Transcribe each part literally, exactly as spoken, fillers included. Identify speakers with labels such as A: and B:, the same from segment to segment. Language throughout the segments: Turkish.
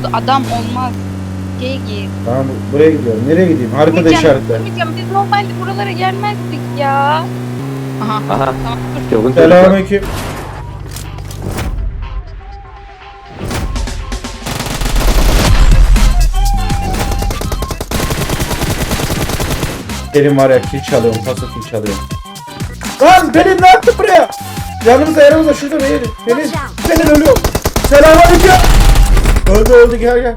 A: Burada adam olmaz. Şeye git.
B: Tamam buraya gidiyorum. Nereye gideyim? Haritada
A: Gideceğim,
B: işaretle.
A: gideceğim. Biz normalde buralara gelmezdik ya. Aha.
C: Aha.
A: Tamam dur.
C: Çılgın çocuk.
B: Selamünaleyküm. Pelin var ya kill çalıyorum, paso kill çalıyorum. Lan Pelin ne yaptın buraya? Yanımızda yanımızda şurada Pelin. Pelin, Pelin ölüyor. Selamünaleyküm. Öldü öldü gel gel.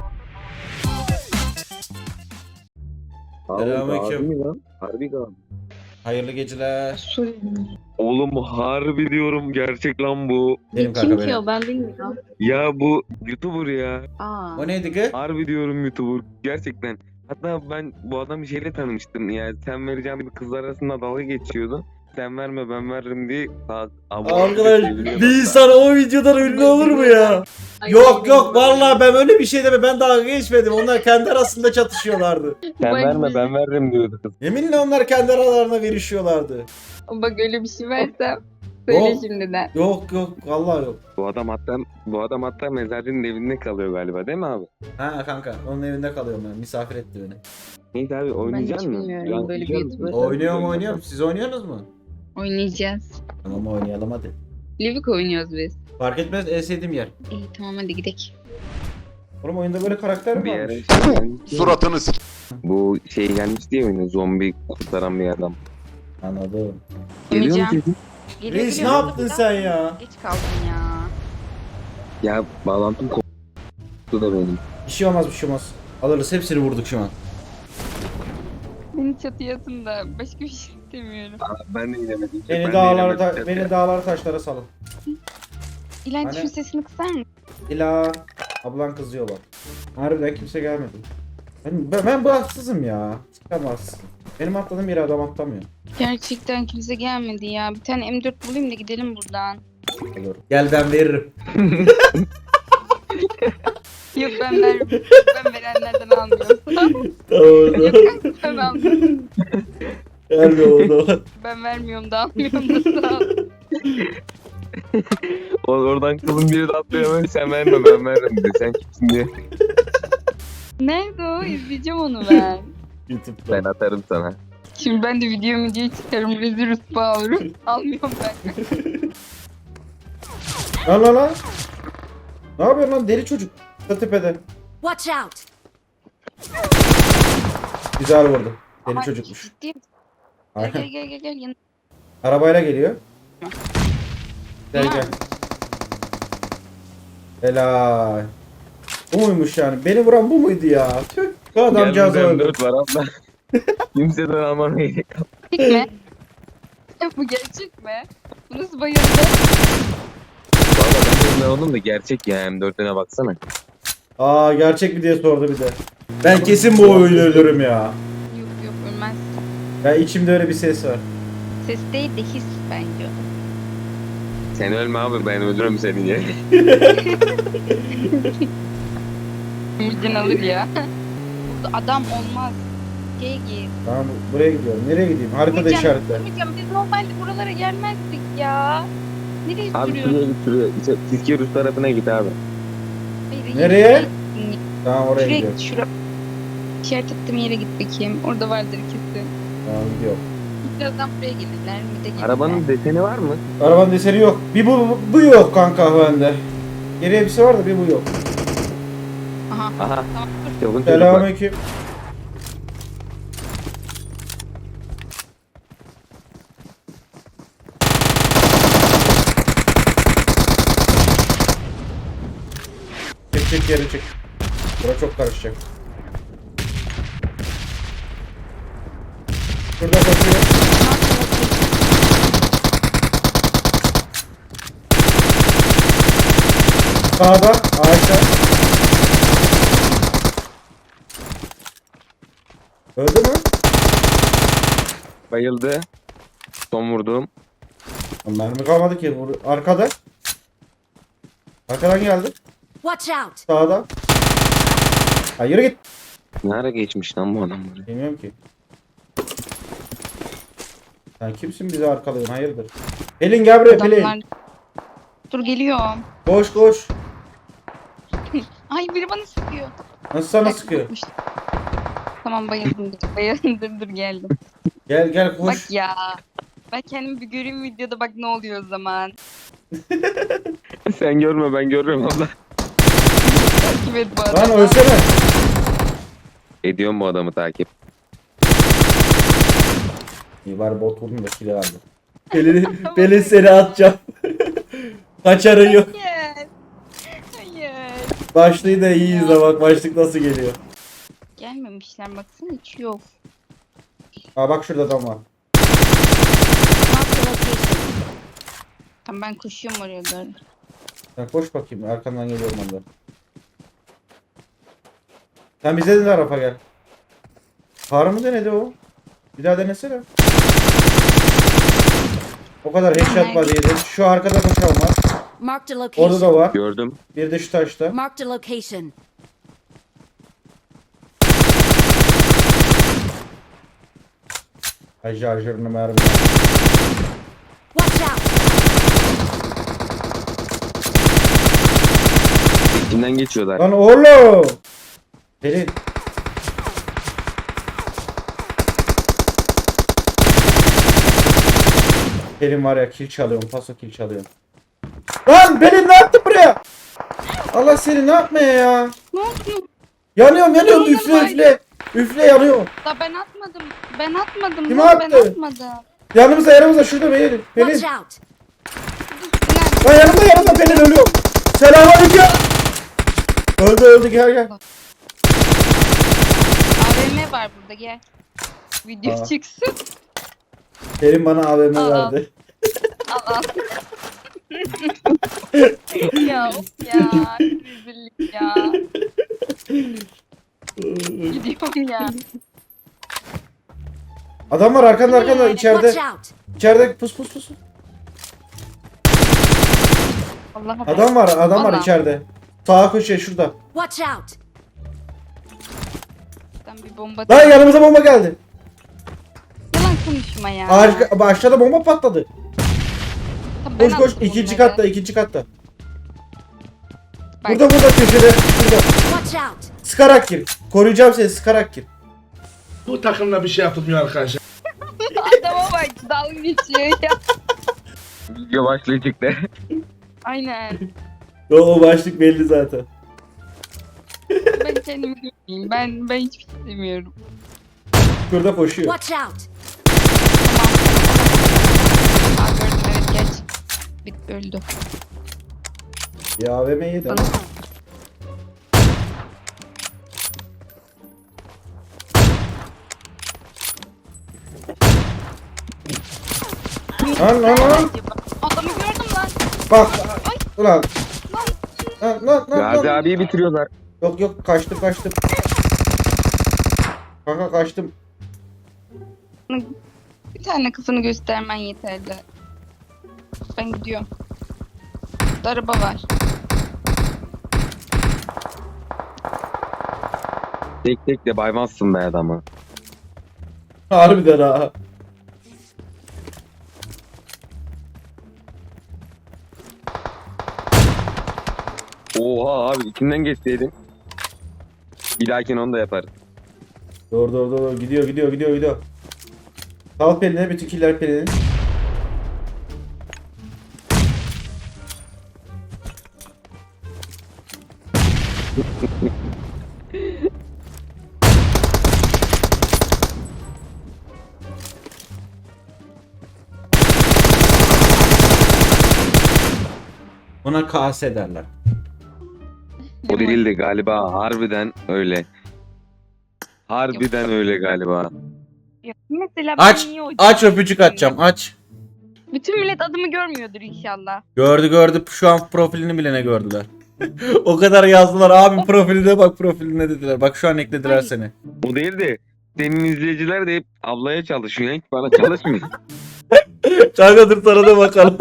C: Abi,
B: Selamünaleyküm.
C: harbi mi lan? Harbi gal.
B: Hayırlı geceler.
C: Oğlum harbi diyorum, gerçek lan bu.
B: Benim
A: Kim
B: kanka
A: ki
B: benim.
A: o, ben bilmiyorum.
C: Ya bu YouTuber ya.
A: Aa.
B: O neydi ki?
C: Harbi diyorum YouTuber. Gerçekten. Hatta ben bu adamı şeyle tanımıştım ya. Sen vereceğim bir kızlar arasında dalga geçiyordu. Sen verme ben veririm diye.
B: Arkadaş bir insan o videodan ünlü olur mu ya?
A: Ay,
B: Yok yok vallahi ben öyle bir şey deme, ben dalga geçmedim. Onlar kendi arasında çatışıyorlardı.
C: Sen
A: Bak
C: verme
A: biz-
C: ben veririm diyordu kız.
B: Yeminle onlar kendi aralarına verişiyorlardı.
A: Bak öyle bir şey versem. Söyle
B: Yok.
A: şimdiden.
B: Yok yok vallahi yok.
C: Bu adam hatta bu adam hatta mezarcının evinde kalıyor galiba değil mi abi?
B: Ha kanka onun evinde kalıyorum ben, misafir etti beni.
C: Neyse abi oynayacak
A: hiç
C: mısın?
A: bilmiyorum
C: Ya,
A: böyle bir
C: oynayacak mısın?
A: YouTuber.
B: Oynuyorum oynuyorum, siz oynuyorsunuz mu?
A: Oynayacağız.
B: Tamam oynayalım hadi.
A: Livik oynuyoruz biz.
B: Fark etmez, en sevdiğim yer.
A: İyi tamam hadi gidelim.
B: Oğlum oyunda böyle karakter mi
C: Bir yere
B: varmış?
C: şey gelmiş ya.
D: Suratını s***.
C: Bu şey gelmiş diye oyuna, zombi kurtaran bir adam.
B: Anladım.
C: Geliyor mu
A: Oynayacağım.
C: sesin?
A: Geliyor,
B: Reis ne
A: geliyor.
B: yaptın sen ya?
A: Geç kaldım ya.
C: Ya bağlantım koptu da benim.
B: Bir şey olmaz bir şey olmaz. Alırız, hepsini vurduk şu an.
A: Beni çatıya atın da başka bir şey istemiyorum.
C: Aa, ben de inemedim. Ben
B: Beni
C: de
B: dağlara,
C: inemedim.
B: ta- beni dağlara taşlara salın.
A: İlan
B: Hani-
A: şu sesini kısar mısın?
B: İla ablan kızıyor bak. Harbiden kimse gelmedi. Ben, ben, ben bu haksızım ya. Ben haksızım. Benim atladığım yere adam atlamıyor.
A: Gerçekten kimse gelmedi ya. Bir tane M dört bulayım da gidelim buradan.
B: Olur. Gel ben veririm.
A: Yok ben ver ben verenlerden almıyorum.
B: Tamam.
A: Yok kanka ben almıyorum.
B: Gel be oğlum.
A: Ben vermiyorum da almıyorum da sağ ol.
C: O, oradan kızın biri de atlıyor hemen, sen verme ben veririm diye. Sen kimsin diye.
A: Nerede o? İzleyeceğim onu ben.
B: YouTube'da.
C: Ben atarım sana.
A: Şimdi ben de video videoyu çıkarım. Rezil rütba olurum. Almıyorum ben.
B: Lan lan lan. Ne yapıyorsun lan deli çocuk? Da tepede.
E: Watch out!
B: Güzel vurdu. Deli
A: Ay,
B: çocukmuş.
A: ciddi misin? Gel gel
B: Aynen.
A: gel gel. gel. Yan-
B: Arabayla geliyor. Gel
A: Ha.
B: gel. Helal. Bu muymuş yani? Beni vuran bu muydu ya? Tüh. Bu adamcağız
C: Gel
B: öldü.
C: dört var abla. Kimseden almam gerek.
A: Gerçek mi? Bu gerçek mi? Bu nasıl bayıldı?
C: Valla ben de oldum da gerçek ya, M dört'üne baksana.
B: Aa gerçek mi diye sordu bir de. Ben kesin bu oyunu ölürüm ya.
A: Yok yok ölmez.
B: Ben içimde öyle bir ses var.
A: Ses değil de his bence.
C: Sen ölme abi, ben öldürürüm seni diye.
A: Müjden alır ya. Burada adam olmaz. Şeye git.
B: Tamam buraya gidiyorum. Nereye gideyim? Haritada
A: Gideceğim,
B: işaretle.
A: gideceğim. Biz normalde buralara gelmezdik ya. Nereye
C: Abi
A: sürüyorsun?
C: şuraya git şuraya. İşte Tilki Rus tarafına git abi.
A: Hayır,
B: Nereye?
A: yere git.
B: Tamam oraya
A: Şuraya
B: gidiyorum.
A: git. Şura. İşaret ettiğim yere git bakayım. Orada vardır kesin.
B: Tamam gidiyorum.
A: Birazdan buraya gelirler. Bir de gelirler.
C: Arabanın deseni var mı?
B: Arabanın deseni yok. Bir bu, bu, bu yok kanka bende. Geriye bir şey var da bir bu yok.
A: Aha.
C: Aha.
A: Tamam dur.
C: Çılgın çocuk bak.
B: Selamünaleyküm. Çek çek geri çek. Bura çok karışacak. Şurada koşuyor. Sağda ağaçta. Öldü mü?
C: Bayıldı. Son vurduğum.
B: Lan mermi kalmadı ki. Vur- Arkada. Arkadan geldi.
E: Watch out!
B: Sağda. Ha yürü git.
C: Ne ara geçmiş lan bu adam buraya?
B: Bilmiyorum ki. Sen kimsin bizi arkalıyorsun? Hayırdır? Pelin gel buraya Pelin.
A: Adamlar... Dur geliyorum.
B: Koş koş.
A: Ay biri bana sıkıyor.
B: Nasıl sana
A: Bak,
B: sıkıyor?
A: bakmış. Tamam bayıldım. dur, Bayıldım dur dur geldim.
B: Gel gel koş.
A: Bak ya. Ben kendimi bir göreyim videoda bak ne oluyor o zaman.
C: Sen görme ben görüyorum abla.
A: Takip et bu
B: Lan
A: adamı.
B: ölsene.
C: Ediyorum bu adamı takip.
B: İyi bari bot vurdum da kill aldım. Pelin, Pelin seni atacağım. Kaçarı yok.
A: Hayır. Hayır.
B: Başlığı da iyi izle bak başlık nasıl geliyor.
A: Gelmemişler baksana hiç yok.
B: Aa bak şurada adam var.
E: Marked a location.
A: Tamam ben koşuyorum oraya doğru.
B: Sen koş bakayım arkandan geliyorum ondan. Sen bize de tarafa gel. Kar mı denedi o? Bir daha denesene. O kadar headshot var yedi. Şu arkada koşan var.
E: Marked a
B: Orada da
E: location.
B: var.
C: Gördüm.
B: Bir de şu taşta.
E: Marked a location.
B: Ay şarjörünü mermi.
E: Watch out.
C: İçinden geçiyorlar.
B: Lan oğlum. Pelin. Pelin var ya kill çalıyorum. Paso kill çalıyorum. Lan Pelin ne yaptın buraya? Allah seni ne yapmaya ya?
A: Ne oldu?
B: Yanıyorum yanıyorum
A: Ne oldu
B: üfle
A: bari?
B: üfle. Üfle yanıyorum.
A: Da ben atmadım. Ben atmadım.
B: Kim
A: lan,
B: attı?
A: Ben atmadım.
B: Yanımızda yanımızda şurada Pelin.
E: Watch
B: Pelin.
E: out.
A: Nerede?
B: Lan yanımda yanımda Pelin ölüyor. Selamünaleyküm. Öldü öldü gel gel.
A: A V M var burada gel. Video
B: Aa.
A: çıksın.
B: Pelin bana A V M
A: Aa.
B: verdi.
A: Al al. ya of ya. Rezillik ya. Gidiyorum ya.
B: Adam var arkanda arkanda içeride.
E: Watch out.
B: İçeride pus pus pus.
A: Allah'a
B: Adam var adam var
A: Vallahi.
B: içeride. Sağa köşe şurada.
E: Watch out.
A: Ben bir bomba.
B: Lan yanımıza bomba geldi.
A: Yalan konuşma ya.
B: Ağaç, aşağıda bomba patladı.
A: Tamam, ben
B: Koş koş
A: aldım
B: ikinci
A: bunları.
B: katta ikinci katta.
A: Bak,
B: Burada burada köşede. Şurada.
E: Watch out.
B: Sıkarak gir. Koruyacağım seni sıkarak gir.
D: Bu takımla bir şey yapılmıyor arkadaşlar.
A: Adama bak dalga geçiyor ya.
C: Video başlayacaktı.
A: Aynen.
B: O, o başlık belli zaten.
A: Ben kendimi görmeyeyim. Ben ben hiçbir şey demiyorum.
B: Şurada koşuyor.
E: Watch out.
A: Tamam. Aa gördüm evet geç. Bit öldü.
B: Ya A V M yedi.
A: Bana
B: Lan lan lan.
A: Adamı gördüm lan.
B: Bak. Ulan. Lan lan lan.
C: Gazi
B: lan.
C: abiyi bitiriyorlar.
B: Yok yok kaçtım kaçtım. Kanka kaçtım.
A: Bir tane kafanı göstermen yeterli. Ben gidiyorum. Burada araba var.
C: Tek tek de baymazsın be adamı.
B: Harbiden ha.
C: Oha abi içinden geçseydin. Bir dahakine onu da yaparız.
B: Doğru doğru doğru gidiyor gidiyor gidiyor gidiyor. Sal Pelin'e bütün killer Pelin'in. Buna K S derler.
C: O değildi galiba harbiden öyle. Harbiden öyle galiba.
A: Ya mesela ben
B: Aç
A: niye o-
B: aç öpücük atacağım aç.
A: Bütün millet adımı görmüyordur inşallah.
B: Gördü gördü şu an profilini bile ne gördüler. O kadar yazdılar abi profiline bak profiline dediler. Bak şu an eklediler
A: Ay.
B: seni.
C: O değildi. Senin izleyiciler de hep ablaya çalışıyor. Hiç bana çalışmıyor.
B: Kanka dur sana da bakalım.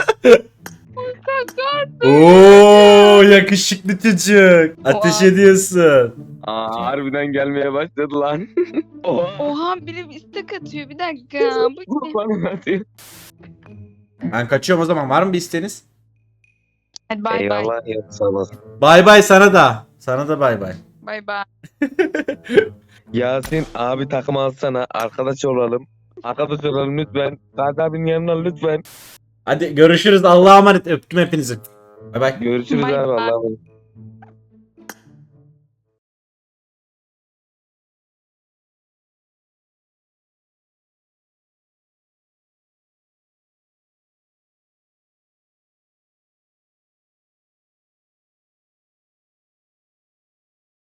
B: Oo yakışıklı çocuk. Ateş
A: Oha.
B: ediyorsun.
C: Aa harbiden gelmeye başladı lan. Oha.
A: Oha biri istek atıyor bir dakika. Bu ne?
C: Bana atıyor.
B: Ben kaçıyorum o zaman. Var mı bir isteğiniz?
A: Hadi bay bay.
C: Eyvallah ya sağ olasın.
B: Bay bay sana da. Sana da bay bay.
A: Bay bay.
C: Yasin abi takım alsana. Arkadaş olalım. Arkadaş olalım lütfen. Gazi abinin yanına lütfen.
B: Hadi görüşürüz. Allah'a emanet. Öptüm hepinizi. Bay bay.
C: Görüşürüz
A: Bay
C: abi
A: bay.
C: Allah'a emanet.